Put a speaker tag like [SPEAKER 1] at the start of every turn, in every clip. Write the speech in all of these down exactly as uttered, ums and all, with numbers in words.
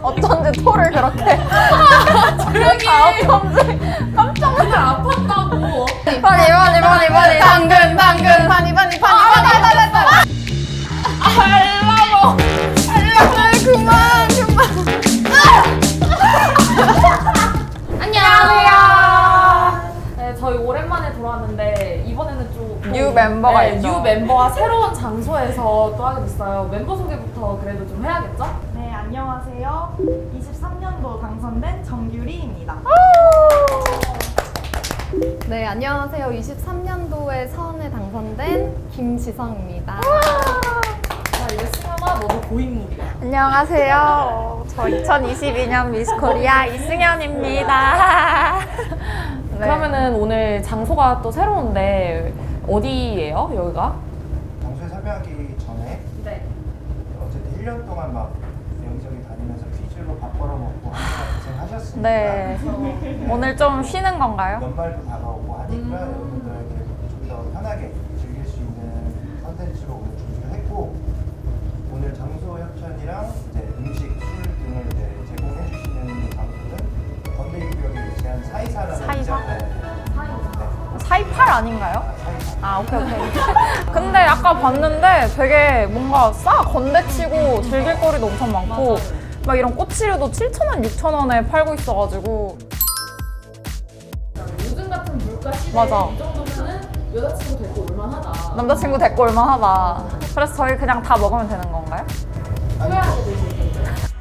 [SPEAKER 1] 어쩐지 토를 그렇게
[SPEAKER 2] 조용히
[SPEAKER 1] 어쩐지 깜짝
[SPEAKER 2] 그날 아팠다고.
[SPEAKER 1] 파니 파니 파니 파니 당근 당근 파니 파니 파니 파니 파니 알라모 알라모 그만 그만
[SPEAKER 2] 안녕하세요. 네, 저희 오랜만에 돌아왔는데 이번에는 좀
[SPEAKER 1] 뉴 멤버가
[SPEAKER 2] 네,
[SPEAKER 1] 있죠.
[SPEAKER 2] 뉴 멤버와 새로운 장소에서 또 하게 됐어요. 멤버 소개부터 그래도 좀 해야겠죠?
[SPEAKER 3] 네, 안녕하세요. 이십삼 년도 당선된 정규리입니다.
[SPEAKER 4] 네, 안녕하세요. 이십삼 년도에 서원에 당선된 김지성입니다.
[SPEAKER 2] 자, 이제 승현아, 너도 고인물이야.
[SPEAKER 1] 안녕하세요. 저 이천이십이 년 미스 코리아 이승현입니다. 네.
[SPEAKER 2] 그러면은 오늘 장소가 또 새로운데 어디예요, 여기가?
[SPEAKER 5] 장소에 참여하기 전에
[SPEAKER 2] 네.
[SPEAKER 5] 어쨌든 일 년 동안 막 여기저기 다니면서 퀴즈로 밥 벌어먹고 하느라 고생하셨으니까
[SPEAKER 1] 네. 오늘 좀 쉬는 건가요?
[SPEAKER 5] 연말도 다가오고 하니까
[SPEAKER 2] 음.
[SPEAKER 5] 여러분들에게 좀 더 편하게 즐길 수 있는 컨텐츠로 오늘 준비를 했고, 오늘 장소 협찬이랑 이제 음식, 술 등을 이제 제공해 주시는 장소는 건대유역에 위치한 사이사라는
[SPEAKER 1] 사이사?
[SPEAKER 5] 이자카야. 네.
[SPEAKER 1] 사이팔 아닌가요?
[SPEAKER 5] 아, 사이사.
[SPEAKER 1] 아 오케이 오케이. 근데 아까 봤는데 되게 뭔가 싸 건대치고 즐길 거리도 엄청 많고 막 이런 꽃치류도 칠천 원, 육천 원에 팔고 있어가지고
[SPEAKER 2] 요즘 같은 물가 시대에
[SPEAKER 1] 맞아.
[SPEAKER 2] 이 정도면은 여자친구 데리고 올만하다.
[SPEAKER 1] 남자친구 데리고 올만하다. 그래서 저희 그냥 다 먹으면 되는 건가요?
[SPEAKER 2] 후회하게 되실 텐데.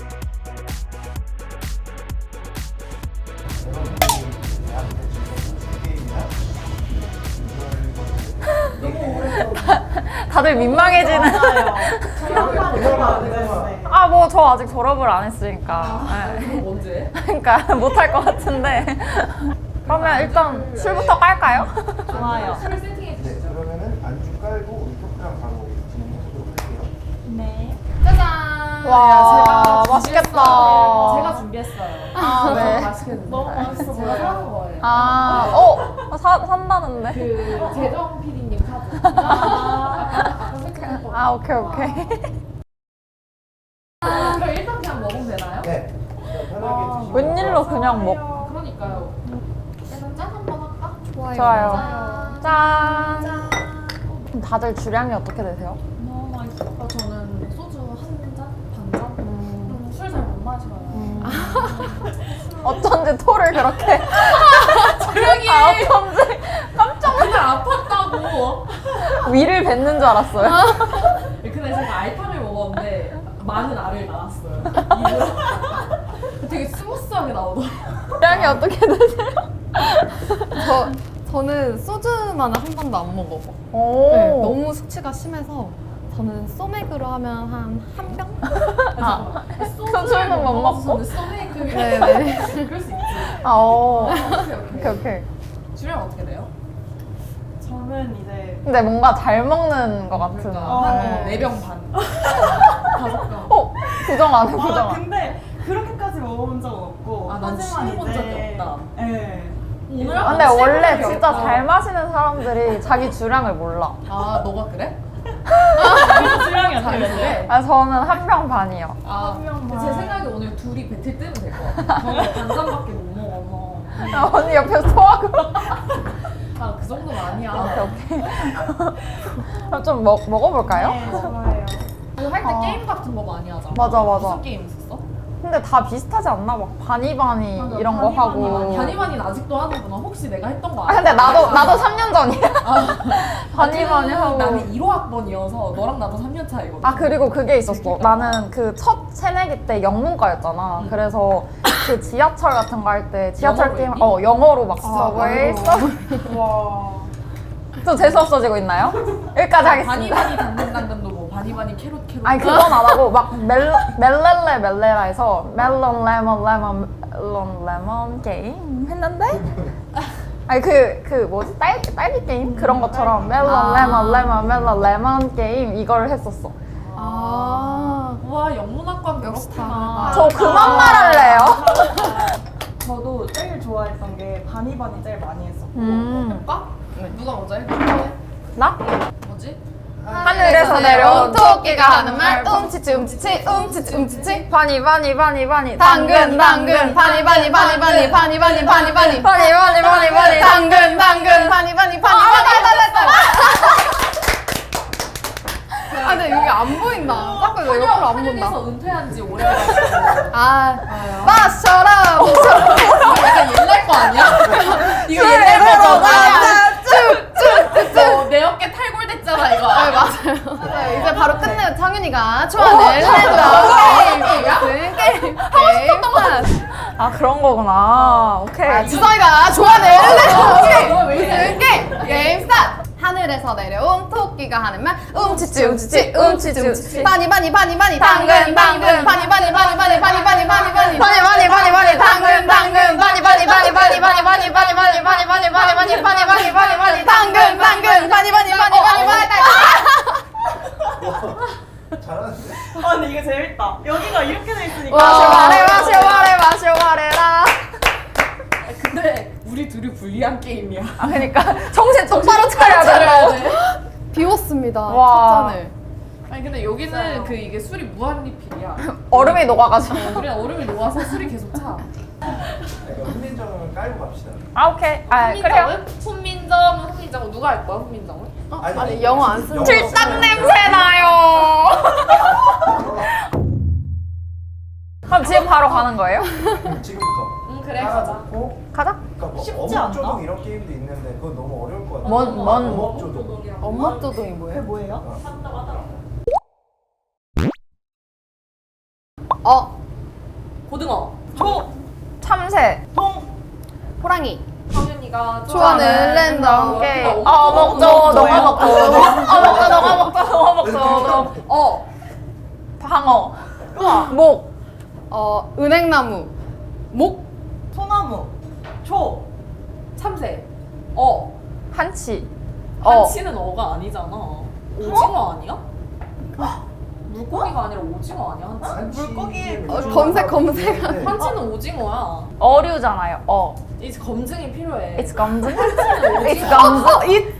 [SPEAKER 5] 여러분들이 대학교 때 즐겼던 게임이나
[SPEAKER 2] 너무 오래
[SPEAKER 1] 다들 민망해지는.
[SPEAKER 3] 저희한번 들어봤는데.
[SPEAKER 1] 아 뭐 저 아직 졸업을 안 했으니까. 네.
[SPEAKER 2] 그럼 언제?
[SPEAKER 1] 그러니까 못할 것 같은데. 그러면 일단 술부터 깔까요? 좋아요.
[SPEAKER 2] 술을 세팅해
[SPEAKER 5] 네,
[SPEAKER 2] 주시죠.
[SPEAKER 5] 그러면은 안주 깔고 우리 토크랑 바로 진행해 보도록 할게요.
[SPEAKER 3] 네.
[SPEAKER 2] 짜잔!
[SPEAKER 1] 와,
[SPEAKER 2] 제가
[SPEAKER 1] 맛있겠다.
[SPEAKER 2] 준비했어요. 제가 준비했어요.
[SPEAKER 1] 아, 네.
[SPEAKER 2] 맛있겠는데.
[SPEAKER 3] 너무 맛있어
[SPEAKER 2] 제가
[SPEAKER 3] 보여요.
[SPEAKER 2] 사는 거예요.
[SPEAKER 1] 아, 어? 사, 산다는데?
[SPEAKER 2] 그 재정 피디님 카드. 아, 아까 설정했거든요.
[SPEAKER 1] 아, 오케이, 오케이.
[SPEAKER 2] 아, 그럼 일단 그냥 먹으면 되나요?
[SPEAKER 5] 네, 편하게
[SPEAKER 2] 아,
[SPEAKER 5] 드시고.
[SPEAKER 1] 웬일로 그냥 먹.
[SPEAKER 2] 그러니까요. 일단 짠 한번 할까?
[SPEAKER 4] 좋아요.
[SPEAKER 1] 좋아요. 짠. 그럼 다들 주량이 어떻게 되세요?
[SPEAKER 2] 너무 맛있어. 아, 저는 소주 한 잔? 반 잔? 음, 술 잘 못 마셔요.
[SPEAKER 1] 어쩐지 토를 그렇게.
[SPEAKER 2] 조용히
[SPEAKER 1] 아, 어쩐지 깜짝
[SPEAKER 2] 그날 아팠다고.
[SPEAKER 1] 위를 뱉는 줄 알았어요.
[SPEAKER 2] 근데 제가 알탕을 먹었는데 많은 알을 낳았어요. 입으로. 되게 스무스하게 나오더라고요.
[SPEAKER 1] 주량이 어떻게 되세요?
[SPEAKER 4] 저, 저는 소주만은 한 번도 안 먹어봐.
[SPEAKER 1] 오.
[SPEAKER 4] 네, 너무 숙취가 심해서 저는 소맥으로 하면 한 한 병?
[SPEAKER 1] 아,
[SPEAKER 2] 소주를
[SPEAKER 1] 술은 못 먹고?
[SPEAKER 2] 저는 소맥을.
[SPEAKER 4] 네네.
[SPEAKER 2] 그럴 수 있지.
[SPEAKER 1] 아, 오.
[SPEAKER 2] 오케이,
[SPEAKER 1] 오케이,
[SPEAKER 2] 오케이.
[SPEAKER 1] 오케이.
[SPEAKER 2] 주량 어떻게 돼요?
[SPEAKER 3] 저는 이제
[SPEAKER 1] 근데 뭔가 잘 먹는 것 같은.
[SPEAKER 2] 그러니까 한
[SPEAKER 1] 네.
[SPEAKER 2] 네 병 반. 다섯 병.
[SPEAKER 1] 어? 부정 안 해, 부정
[SPEAKER 3] 아,
[SPEAKER 1] 안 해.
[SPEAKER 3] 근데 그렇게까지 먹어본 적은 없고.
[SPEAKER 2] 아, 난
[SPEAKER 3] 하지만
[SPEAKER 2] 취해본
[SPEAKER 3] 이제-
[SPEAKER 2] 적이 없다.
[SPEAKER 3] 네.
[SPEAKER 2] 오늘
[SPEAKER 1] 아, 근데 원래 진짜 잘 마시는 사람들이 자기 주량을 몰라.
[SPEAKER 2] 아, 너가 그래?
[SPEAKER 3] 주량이 어떻게
[SPEAKER 2] 잘했네.
[SPEAKER 3] 되세요?
[SPEAKER 1] 아, 저는 한 병 반이요.
[SPEAKER 2] 아,
[SPEAKER 3] 한 명만.
[SPEAKER 2] 제 생각에 오늘 둘이 배틀 뜨면 될 것 같아. 저는 반잔밖에 못 먹어서.
[SPEAKER 1] 아, 언니 옆에서 토하고.
[SPEAKER 2] 아, 그 정도는 아니야.
[SPEAKER 1] 오케이, 오케이. 그럼 좀 먹, 먹어볼까요?
[SPEAKER 3] 네, 좋아요.
[SPEAKER 2] 그 할 때
[SPEAKER 1] 아.
[SPEAKER 2] 게임 같은 거 많이 하잖아.
[SPEAKER 1] 맞아, 맞아.
[SPEAKER 2] 무슨 게임 있었어?
[SPEAKER 1] 근데 다 비슷하지 않나? 막 바니바니
[SPEAKER 3] 맞아,
[SPEAKER 1] 이런 거
[SPEAKER 3] 바니바니
[SPEAKER 1] 하고.
[SPEAKER 2] 바니바니 아직도 하는구나. 혹시 내가 했던 거
[SPEAKER 1] 아,
[SPEAKER 2] 아니야?
[SPEAKER 1] 근데 나도, 나도 삼 년 전이야. 바니바니 하고.
[SPEAKER 2] 나는 일 호 학번이어서 너랑 나도 삼 년 차이거든.
[SPEAKER 1] 아, 그리고 그게 있었어. 나는 그 첫 새내기 때 영문과였잖아. 그래서 그 지하철 같은 거 할 때 지하철
[SPEAKER 2] 영어로
[SPEAKER 1] 게임,
[SPEAKER 2] 했니?
[SPEAKER 1] 어, 영어로 막
[SPEAKER 3] 아,
[SPEAKER 1] 서브웨이,
[SPEAKER 3] 영어로.
[SPEAKER 1] 서브.
[SPEAKER 3] 와.
[SPEAKER 1] 좀 재수없어지고 있나요? 여기까지 하겠습니다.
[SPEAKER 2] 바니바니 당근당근도 뭐 바니바니 캐롯 캐롯.
[SPEAKER 1] 아니 그건 안 하고 막 멜, 멜렐레 멜레라 해서 멜론 레몬 레몬 멜론 레몬 게임 했는데 아니 그, 그 뭐지? 딸기, 딸기 게임? 그런 것처럼 멜론
[SPEAKER 4] 아.
[SPEAKER 1] 레몬 레몬 멜론 레몬 게임 이걸 했었어.
[SPEAKER 4] 아,
[SPEAKER 2] 와, 영문학과
[SPEAKER 4] 역시
[SPEAKER 2] 그렇구나.
[SPEAKER 1] 저 그만 말할래요?
[SPEAKER 3] 저도 제일 좋아했던 게 바니바니 제일 많이 했었고.
[SPEAKER 1] 음.
[SPEAKER 2] 해볼까? 누가 먼저 해?
[SPEAKER 1] 나?
[SPEAKER 2] 뭐지?
[SPEAKER 1] 하늘에서 내려온 토끼가 하는 말 움치치 움치치 움치치 움치치 바니 바니 바니 바니
[SPEAKER 4] 당근 당근 바니 바니 바니 바니 바니 바니 바니 바니
[SPEAKER 1] 바니 바니 바니 바니
[SPEAKER 4] 당근 당근 바니 바니 바니 바니 아 근데 여기 안 보인다. 자꾸 왜 옆으로 안 본다.
[SPEAKER 2] 한국에서 은퇴한 지 오래돼가지고
[SPEAKER 4] 아 마셔라 마셔라.
[SPEAKER 2] 약간 옛날 거 아니야? 이거
[SPEAKER 1] 그래,
[SPEAKER 2] 옛날
[SPEAKER 1] 그래,
[SPEAKER 2] 거잖아.
[SPEAKER 4] 쭉쭉쭉쭉.
[SPEAKER 2] 어, 내 어깨 탈골됐잖아 이거.
[SPEAKER 4] 아 맞아요. 맞아요. 이제 바로 끝내요. 창윤이가 좋아하는 랜덤 게임 게임 하고 싶었던 게임.
[SPEAKER 1] 아 그런 거구나. 오케이.
[SPEAKER 4] 아, 지성이가 좋아하는 랜덤
[SPEAKER 2] 왜 이래?
[SPEAKER 4] 게임 게임 게임 스타트. 하늘에서 내려온 토끼가 하는 말 움치치 움치치 움치치 움치치 바니 바니 바니 바니 당근 당근 바니 바니 바니 바니 바니 바니 바니 바니
[SPEAKER 1] 바니 바니 바니 바니 당근 당근 바니 바니 바니 바니 바니 바니 바니 바니 바니 바니 바니 바니 바니 바니 바니 바니
[SPEAKER 4] 당근 당근 바니 바니 바니 바니 바니
[SPEAKER 5] 잘하는데?
[SPEAKER 3] 아 근데 이게 재밌다. 여기가 이렇게 돼 있으니까.
[SPEAKER 1] 마셔와래 마셔와래 마셔와래라.
[SPEAKER 2] 근데 우리 둘이 불리한 게임이야.
[SPEAKER 1] 아 그러니까 정신 똑바로 차려야
[SPEAKER 2] 차려야
[SPEAKER 1] 돼.
[SPEAKER 2] 돼.
[SPEAKER 4] 비웠습니다.
[SPEAKER 1] 와.
[SPEAKER 4] 첫 잔을.
[SPEAKER 2] 아니 근데 여기는 그 이게 술이 무한 리필이야.
[SPEAKER 1] 얼음이 녹아가지고.
[SPEAKER 2] 우리는 얼음이 녹아서 술이 계속 차.
[SPEAKER 5] 그러니까 훈민정음을 깔고 갑시다.
[SPEAKER 1] 아 오케이. 아 그래요.
[SPEAKER 2] 훈민정은? 훈민정은 훈민정은 누가 할 거야 훈민정은?
[SPEAKER 5] 아니,
[SPEAKER 4] 아니, 영어 안 쓰는
[SPEAKER 1] 칠딱 냄새 나요. 그럼 지금 바로 가는 거예요?
[SPEAKER 5] 지금부터.
[SPEAKER 2] 응 그래 가자.
[SPEAKER 5] 어?
[SPEAKER 1] 가자.
[SPEAKER 5] 그러니까 뭐
[SPEAKER 3] 쉽지 않나?
[SPEAKER 5] 어묵조동 이런 게임도 있는데 그건 너무 어려울 것 같아.
[SPEAKER 1] 뭔- 뭔-
[SPEAKER 5] 어묵조동.
[SPEAKER 4] 엄마 조동이 뭐예요?
[SPEAKER 3] 그게 뭐예요?
[SPEAKER 4] 어
[SPEAKER 2] 고등어.
[SPEAKER 3] 조,
[SPEAKER 1] 참새.
[SPEAKER 3] 동,
[SPEAKER 4] 호랑이.
[SPEAKER 2] 성윤이가
[SPEAKER 4] 좋아하는 랜덤
[SPEAKER 1] 게임.
[SPEAKER 2] 게임.
[SPEAKER 1] 어 먹죠. 너가 먹죠. 어 먹죠. 너가 먹죠. 너가 먹죠.
[SPEAKER 2] 어.
[SPEAKER 1] 방어. 목.
[SPEAKER 4] 어 은행나무. 목.
[SPEAKER 3] 소나무, 초,
[SPEAKER 2] 참새. 어.
[SPEAKER 1] 한치. 어.
[SPEAKER 2] 한치는 어가 아니잖아. 오징어 아니야? 물고기가 아니라 오징어 아니야 한치?
[SPEAKER 3] 물고기.
[SPEAKER 4] 어, 검색, 검색.
[SPEAKER 2] 한치는 오징어야.
[SPEAKER 1] 어류잖아요. 어.
[SPEAKER 2] 이제 검증이 필요해.
[SPEAKER 1] It's 검증.
[SPEAKER 2] 한치는
[SPEAKER 1] It's
[SPEAKER 2] 오징어.
[SPEAKER 1] 검증.
[SPEAKER 4] 이.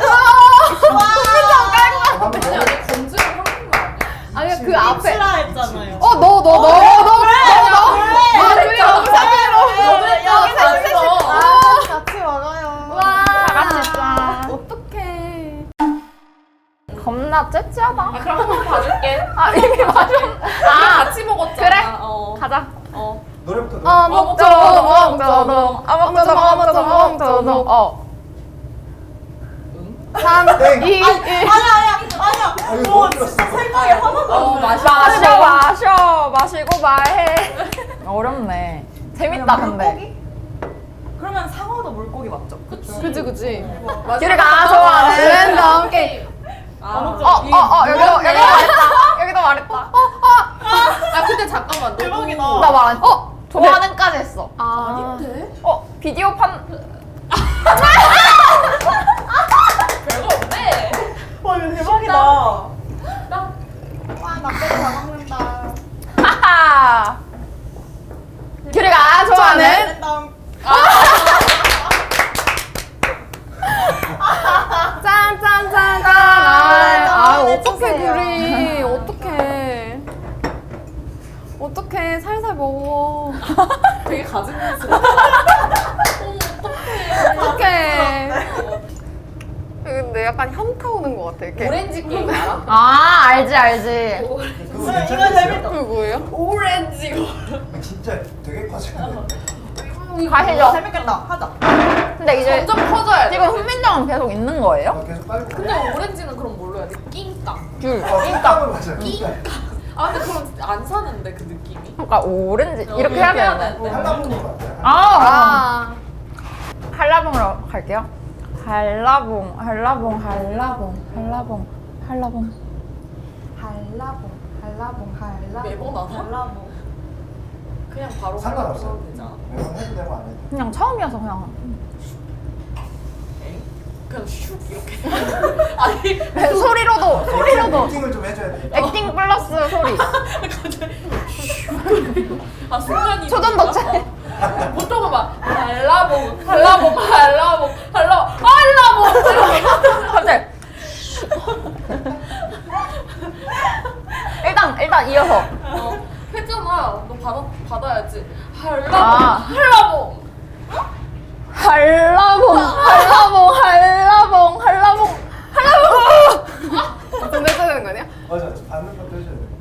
[SPEAKER 2] 아니 아니 검증을 하는 거 아니야?
[SPEAKER 4] 아니 그 앞에.
[SPEAKER 3] 치라 했잖아요.
[SPEAKER 4] 어 너 너 너 너 너.
[SPEAKER 2] 아,
[SPEAKER 4] 그래 너무
[SPEAKER 2] 너네
[SPEAKER 3] 여기
[SPEAKER 2] 다 있어.
[SPEAKER 3] 같이 먹어요.
[SPEAKER 4] 와.
[SPEAKER 1] 다 같이 짠.
[SPEAKER 4] 어떡해.
[SPEAKER 1] 겁나 째째하다.
[SPEAKER 2] 아, 그럼 한 번 봐줄게.
[SPEAKER 1] 아 이미 맞아.
[SPEAKER 2] 아 같이 먹었잖아.
[SPEAKER 1] 그래.
[SPEAKER 2] 어.
[SPEAKER 1] 가자.
[SPEAKER 2] 어.
[SPEAKER 5] 노래부터 노래.
[SPEAKER 4] 어 먹죠 먹죠.
[SPEAKER 1] 어묵조동 어묵조동 어묵조동. 어.
[SPEAKER 4] 삼,
[SPEAKER 5] 땡.
[SPEAKER 4] 이, 일.
[SPEAKER 3] 아니야 아니야 아니야.
[SPEAKER 5] 아, 이거
[SPEAKER 3] 오
[SPEAKER 5] 너무
[SPEAKER 3] 진짜
[SPEAKER 5] 들었어.
[SPEAKER 3] 생각이 하나도
[SPEAKER 2] 어
[SPEAKER 3] 안 나.
[SPEAKER 2] 마셔.
[SPEAKER 1] 마셔 마셔 마시고 말해. 어렵네. 재밌다 근데.
[SPEAKER 3] 물고기? 그러면 상어도 물고기 맞죠?
[SPEAKER 2] 그치.
[SPEAKER 4] 그지 그지.
[SPEAKER 1] 규리가 좋아하는
[SPEAKER 4] 랜덤 게임.
[SPEAKER 2] 아,
[SPEAKER 1] 어어어 여기도 여기도 말했다. 여기도 말했다.
[SPEAKER 2] 아 근데 잠깐만. 너
[SPEAKER 3] 대박이다.
[SPEAKER 1] 나 말 안. 어 좋아하는까지 했어.
[SPEAKER 4] 아.
[SPEAKER 2] 아닌데?
[SPEAKER 1] 어 비디오 판.
[SPEAKER 2] 별거 없네.
[SPEAKER 3] 와 이거 대박이다.
[SPEAKER 2] 나
[SPEAKER 3] 와나 빼고 다 먹는다.
[SPEAKER 1] 하하. 규리가 좋아하는.
[SPEAKER 3] 랜덤.
[SPEAKER 4] 짠짠짠짠.
[SPEAKER 1] 아,
[SPEAKER 4] 아 어떡해
[SPEAKER 1] 해주세요.
[SPEAKER 4] 규리. 어떡해. 어떡해 살살 먹어.
[SPEAKER 2] 되게 가증스러워.
[SPEAKER 4] 어떡해. 근데 약간 현타 오는 것 같아. 이렇게.
[SPEAKER 2] 오렌지 게임 알아?
[SPEAKER 1] 아 알지 알지.
[SPEAKER 5] 그거
[SPEAKER 3] 이거
[SPEAKER 5] 괜찮았어요.
[SPEAKER 3] 재밌다.
[SPEAKER 4] 그거 뭐예요?
[SPEAKER 2] 오렌지 거.
[SPEAKER 5] 진짜 되게 커지는데.
[SPEAKER 1] 가시죠.
[SPEAKER 3] 재밌겠다. 하자.
[SPEAKER 1] 근데 이제
[SPEAKER 2] 점점 커져야 돼.
[SPEAKER 1] 지금 훈민정은 계속 있는 거예요?
[SPEAKER 5] 어, 계속 깔고.
[SPEAKER 2] 근데 오렌지는 그럼 뭘로 해야 돼? 낑깡.
[SPEAKER 1] 귤.
[SPEAKER 5] 어, 낑깡으로 맞아요. 낑깡.
[SPEAKER 2] 아 근데 그럼 안 사는데 그 느낌이?
[SPEAKER 1] 그러니까 오렌지 이렇게
[SPEAKER 2] 어,
[SPEAKER 1] 해야
[SPEAKER 2] 이렇게 해야
[SPEAKER 1] 되는데.
[SPEAKER 2] 돼.
[SPEAKER 5] 한라봉으로 맞아요.
[SPEAKER 1] 아,
[SPEAKER 4] 아.
[SPEAKER 1] 한라봉으로 갈게요. 한라봉, 한라봉, 한라봉, 한라봉, 한라봉.
[SPEAKER 3] 한라봉, 한라봉, 한라봉.
[SPEAKER 2] 매번 안
[SPEAKER 3] 한라봉.
[SPEAKER 2] 그냥 바로
[SPEAKER 5] 상관없어요.
[SPEAKER 2] 하면 되잖아.
[SPEAKER 5] 매번 해도 되고 안 해도.
[SPEAKER 1] 그냥 처음이어서 그냥.
[SPEAKER 2] 에이? 그냥 슉 이렇게. 아니
[SPEAKER 1] 소리로도 소리로도
[SPEAKER 5] 미팅을 좀 해줘야 돼.
[SPEAKER 1] 액팅 플러스 소리.
[SPEAKER 2] 아 순간이.
[SPEAKER 1] 초전 덕체.
[SPEAKER 2] 보통은 막 한라봉, 한라봉, 한라봉, 한라봉, 한라봉.
[SPEAKER 1] 갑자기 일단 일단 이어서.
[SPEAKER 2] 어, 했잖아. 너 받아 받아야지. 할라봉
[SPEAKER 1] 아.
[SPEAKER 2] 할라봉.
[SPEAKER 1] 한라봉 한라봉 한라봉 한라봉 한라봉.
[SPEAKER 4] 좀 해줘야 되는 거 아니야?
[SPEAKER 5] 맞아, 받는 것도 해줘야 돼.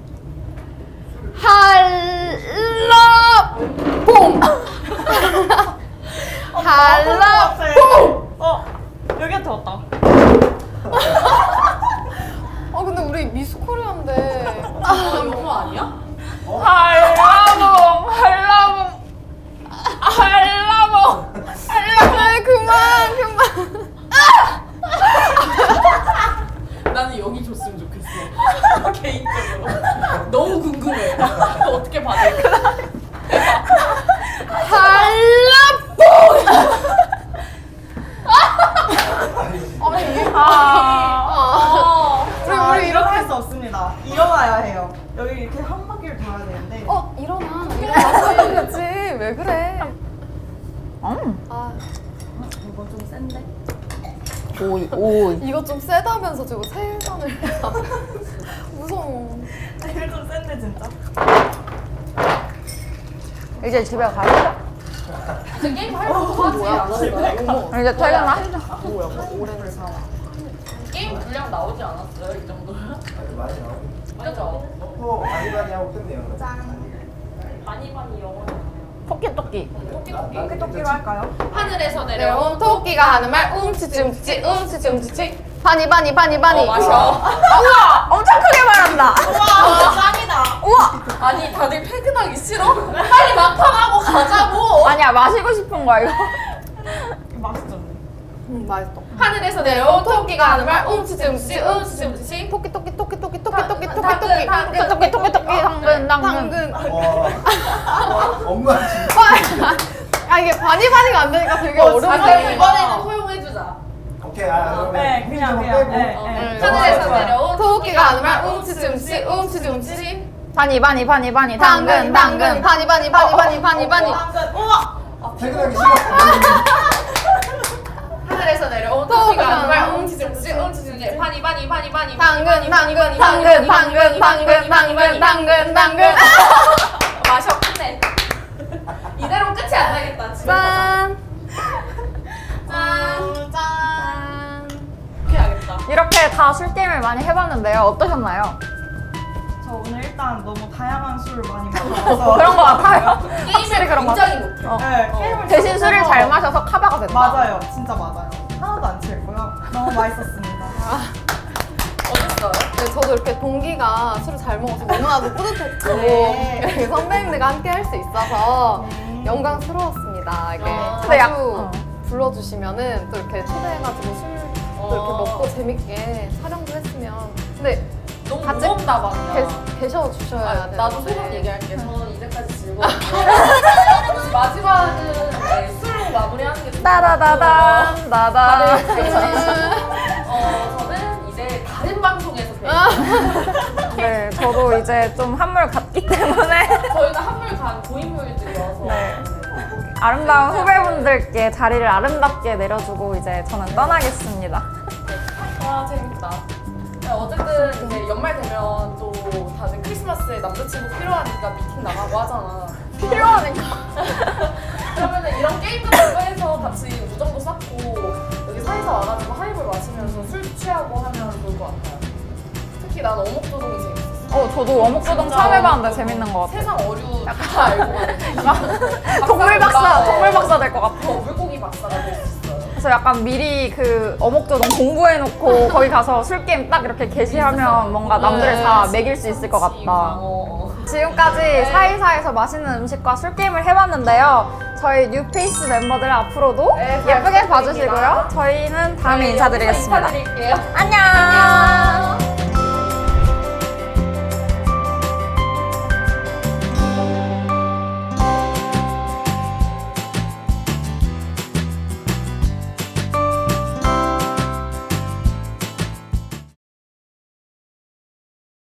[SPEAKER 4] 한라봉. 한라봉.
[SPEAKER 3] 어 여기가 들었다.
[SPEAKER 4] 어 근데 우리 미스 코리아인데.
[SPEAKER 2] 아, 영어 아니야?
[SPEAKER 1] 한라봉 한라봉 한라봉
[SPEAKER 4] 아 그만 그만.
[SPEAKER 2] 나는 여기 줬으면 좋겠어. 개인적으로. 너무 궁금해. 어떻게 받을까?
[SPEAKER 4] 한라봉.
[SPEAKER 5] 아니지.
[SPEAKER 4] 아니
[SPEAKER 1] 아.
[SPEAKER 4] 우리
[SPEAKER 3] 자,
[SPEAKER 4] 우리
[SPEAKER 3] 이렇게
[SPEAKER 4] 이렇게
[SPEAKER 3] 할 수 없습니다. 일어나야 해요. 여기 이렇게 한 바퀴를 돌아야 되는데.
[SPEAKER 4] 어 일어나 일어나야지 왜 그래?
[SPEAKER 1] 음.
[SPEAKER 4] 아
[SPEAKER 2] 이거 좀 센데?
[SPEAKER 1] 오이 오이.
[SPEAKER 4] 이거 좀 세다면서 저거 세잔을 무서워.
[SPEAKER 3] 이거 좀 센데 진짜.
[SPEAKER 1] 이제 집에 가시죠.
[SPEAKER 2] 이제 게임 하려고 하지 않았어요?
[SPEAKER 1] 이제 퇴근하시죠.
[SPEAKER 3] 오래를 사와.
[SPEAKER 2] 게임 분량 나오지 않았어요? 이 정도면?
[SPEAKER 5] 많이 나오고.
[SPEAKER 2] 그죠?
[SPEAKER 5] 넣고 많이 많이 하고 끝내요.
[SPEAKER 2] 많이 많이 영어잖아요.
[SPEAKER 1] 토끼 토끼.
[SPEAKER 2] 토끼토끼.
[SPEAKER 3] 토끼토끼로 할까요?
[SPEAKER 2] 하늘에서
[SPEAKER 4] 내려온
[SPEAKER 2] 내려온
[SPEAKER 4] 토끼가 하는 말 움츠치 움츠치 움츠치 움츠치 바니 바니 바니 바니.
[SPEAKER 2] 어, 마셔.
[SPEAKER 1] 우와 엄청 크게 말한다.
[SPEAKER 3] 와 짱이다.
[SPEAKER 1] 우와.
[SPEAKER 2] 아니 다들 퇴근하기 싫어? 빨리 막판하고 가자고.
[SPEAKER 1] 아니야 마시고 싶은 거야 이거.
[SPEAKER 3] 맛있죠?
[SPEAKER 4] 음 맛있어.
[SPEAKER 2] 하늘에서 내려온 토끼가 하는 말 움츠치 움츠치 움츠치 움츠치.
[SPEAKER 4] 토끼 토끼 토끼 토끼 토끼 토끼 토끼
[SPEAKER 2] 당근,
[SPEAKER 4] 토끼
[SPEAKER 2] 당근,
[SPEAKER 1] 토끼 토끼 토끼 당근 당근.
[SPEAKER 4] 당근.
[SPEAKER 5] 와, 엄마 진짜.
[SPEAKER 4] 아 이게 바니 바니가 안 되니까 되게
[SPEAKER 2] 아
[SPEAKER 4] 어려운
[SPEAKER 2] 그럼
[SPEAKER 4] 게.
[SPEAKER 2] 이번에는 허용해주자.
[SPEAKER 5] 오케이, 아, 그러면
[SPEAKER 3] 네, 그냥
[SPEAKER 5] 좀
[SPEAKER 3] 그냥.
[SPEAKER 5] 빼고.
[SPEAKER 3] 네,
[SPEAKER 5] 어.
[SPEAKER 3] 네.
[SPEAKER 2] 하늘에서
[SPEAKER 5] 좋아.
[SPEAKER 2] 내려온
[SPEAKER 4] 토끼가 하는 말 움츠치 움츠치 움츠치 움츠치
[SPEAKER 1] 바니 바니 바니 바니
[SPEAKER 4] 당근 당근 바니 바니 바니 바니 바니 바니.
[SPEAKER 3] 당근. 우와.
[SPEAKER 5] 퇴근하기 싫어.
[SPEAKER 2] 하늘에서 내려온 토끼가 하는 말 움츠치 움츠치 움츠치 움츠치 바니 바니 바니 바니
[SPEAKER 4] 당근 당근 당근 당근 당근 당근 당근 당근.
[SPEAKER 2] 마셔 끝내. 이대로 끝이 안 나겠다. 집에 가자.
[SPEAKER 4] 짠.
[SPEAKER 2] 짠.
[SPEAKER 4] 짠.
[SPEAKER 2] 이렇게 하겠다.
[SPEAKER 1] 이렇게 다 술 게임을 많이 해봤는데요. 어떠셨나요?
[SPEAKER 3] 저 오늘 일단 너무 다양한 술을 많이 마셔서
[SPEAKER 1] 그런 거 같아요. 확실히
[SPEAKER 2] 게임을
[SPEAKER 1] 그런 거
[SPEAKER 2] 굉장히
[SPEAKER 1] 같아요.
[SPEAKER 2] 못해.
[SPEAKER 1] 어.
[SPEAKER 3] 네, 게임을
[SPEAKER 1] 대신
[SPEAKER 3] 진짜
[SPEAKER 1] 술을
[SPEAKER 3] 해서-
[SPEAKER 1] 잘 마셔서 카바가 됐다.
[SPEAKER 3] 맞아요, 진짜 맞아요. 하나도 안 취했고요. 너무 맛있었습니다.
[SPEAKER 2] 어땠어요?
[SPEAKER 4] 네, 저도 이렇게 동기가 술을 잘 먹어서 너무나도 뿌듯했고
[SPEAKER 3] 네.
[SPEAKER 4] 이렇게 선배님들과 함께 할 수 있어서
[SPEAKER 3] 네.
[SPEAKER 4] 영광스러웠습니다. 이게
[SPEAKER 2] 아.
[SPEAKER 4] 자주
[SPEAKER 1] 근데 약- 어.
[SPEAKER 4] 불러주시면은 또 이렇게 초대해가지고 술도 이렇게
[SPEAKER 2] 어.
[SPEAKER 4] 먹고 재밌게 촬영도 했으면 근데
[SPEAKER 2] 너무
[SPEAKER 4] 같이
[SPEAKER 2] 무겁다 방이야.
[SPEAKER 4] 계, 계셔 주셔야
[SPEAKER 2] 아,
[SPEAKER 4] 되는데
[SPEAKER 2] 나도 소감 얘기할게. 저는 이제까지 즐거웠고 마지막은 네, 술로 마무리하는 게 좋을 것 같고
[SPEAKER 1] 따다다단 따다.
[SPEAKER 2] 다들 어, 저는 이제 다른 방송에서 뵐게요.
[SPEAKER 1] 네, 저도 이제 좀 한물 갔기 때문에
[SPEAKER 2] 저희는 한물 간 고인물들이어서
[SPEAKER 1] 네. 아름다운 후배분들께 자리를 아름답게 내려주고 이제 저는 떠나겠습니다.
[SPEAKER 2] 와 재밌다. 네, 어쨌든 이제 연말 되면 또 다들 크리스마스에 남자친구 필요하니까 미팅 나가고 하잖아.
[SPEAKER 1] 필요하니까.
[SPEAKER 2] 그러면은 이런 게임 같은 거 해서 같이 우정도 쌓고 여기 사이사 와가지고 하이볼 마시면서 술 취하고 하면 좋을 것 같아요. 특히 난 어묵조동이 재밌었어.
[SPEAKER 1] 어, 저도 어묵조동 처음 해봤는데 재밌는 것 같아요.
[SPEAKER 2] 세상 어류 다 알고 가는
[SPEAKER 1] 동물 박사, 동물 박사 될 것 같아.
[SPEAKER 2] 어, 물고기 박사가 될 수 있어요.
[SPEAKER 1] 그래서 약간 미리 그 어묵조동 공부해놓고 거기 가서 술 게임 딱 이렇게 게시하면 뭔가 남들을 다 먹일 수 있을 것
[SPEAKER 2] 그치,
[SPEAKER 1] 같다.
[SPEAKER 2] 어, 어.
[SPEAKER 1] 지금까지 사이사에서 맛있는 음식과 술 게임을 해봤는데요. 저희 뉴페이스 멤버들 앞으로도
[SPEAKER 2] 네, 잘
[SPEAKER 1] 예쁘게
[SPEAKER 2] 부탁드립니다.
[SPEAKER 1] 봐주시고요. 저희는 다음에 인사드리겠습니다.
[SPEAKER 2] 인사드릴게요.
[SPEAKER 1] 안녕.